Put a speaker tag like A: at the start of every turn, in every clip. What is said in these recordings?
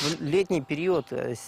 A: В летний период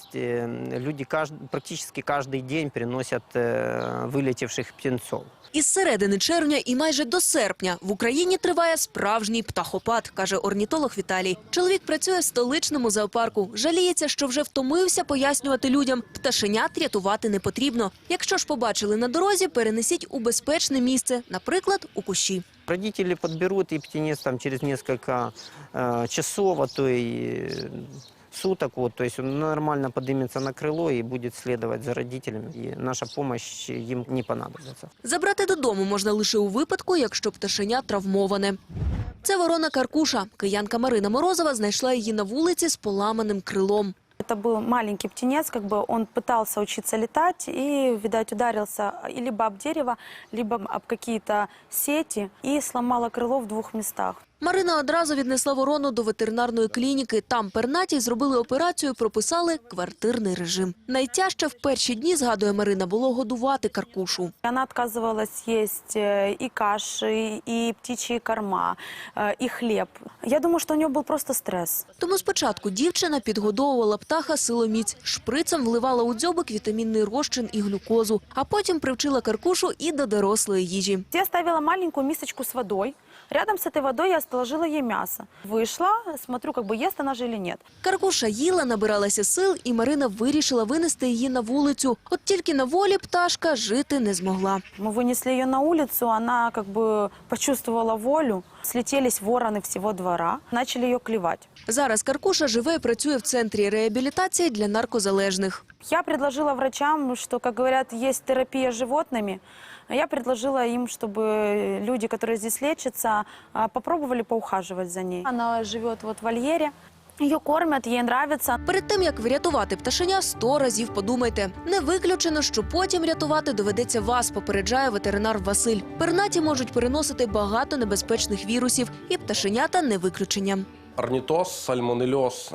A: люди практически каждый день приносят вылетевших птенцов.
B: Із середини червня і майже до серпня в Україні триває справжній птахопад, каже орнітолог Віталій. Чоловік працює в столичному зоопарку. Жаліється, що вже втомився пояснювати людям, пташенят рятувати не потрібно. Якщо ж побачили на дорозі, перенесіть у безпечне місце, наприклад, у кущі.
A: Родители подберут, и птенец там через несколько часов, а то и суток, то есть он нормально поднимется на крыло и будет следовать за родителями, и наша помощь им не понадобится.
B: Забрати додому можна лише у випадку, якщо пташеня травмоване. Це ворона Каркуша. Киянка Марина Морозова знайшла її на вулиці з поламаним крилом.
C: Это был маленький птенец, он пытался учиться летать и, видать, ударился либо об дерево, либо об какие-то сети и сломало крыло в 2 местах.
B: Марина одразу віднесла ворону до ветеринарної клініки. Там пернатій зробили операцію, прописали квартирний режим. Найтяжче в перші дні, згадує Марина, було годувати Каркушу.
C: Она отказывалась есть и каши, и птичьи корма, и хлеб. Я думаю, что у нее был просто стресс.
B: Тому спочатку дівчина підгодовувала птаха силоміць, шприцем вливала у дзьобик вітамінний розчин і глюкозу, а потім привчила Каркушу і до дорослої їжі.
C: Я ставила маленькую мисочку с водой. Рядом с этой водой я положила ей мясо. Вышла, смотрю, ест она же или нет.
B: Каркуша їла, набиралася сил, і Марина вирішила винести її на вулицю. От тільки на волі пташка жити не змогла.
C: Мы вынесли ее на улицу, она почувствовала волю. Слетелись вороны всего двора, начали ее клевать.
B: Зараз Каркуша живе і працює в центрі реабілітації для наркозалежних.
C: Я предложила врачам, что, как говорят, есть терапия с животными. Я предложила им, чтобы люди, которые здесь лечатся, попробовали поухаживать за ней. Она живет в вольере. Ее кормят, ей нравится.
B: Перед тим, як врятувати пташеня, 100 разів подумайте. Не виключено, що потім рятувати доведеться вас, попереджає ветеринар Василь. Пернаті можуть переносити багато небезпечних вірусів, і пташенята не виключення.
D: Орнітоз, сальмонельоз,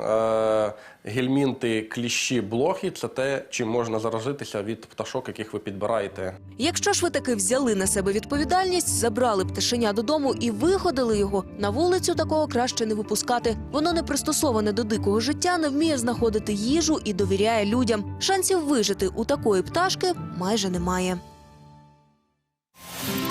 D: гельмінти, кліщі, блохи – це те, чим можна заразитися від пташок, яких ви підбираєте.
B: Якщо ж ви таки взяли на себе відповідальність, забрали пташеня додому і виходили його, на вулицю такого краще не випускати. Воно не пристосоване до дикого життя, не вміє знаходити їжу і довіряє людям. Шансів вижити у такої пташки майже немає.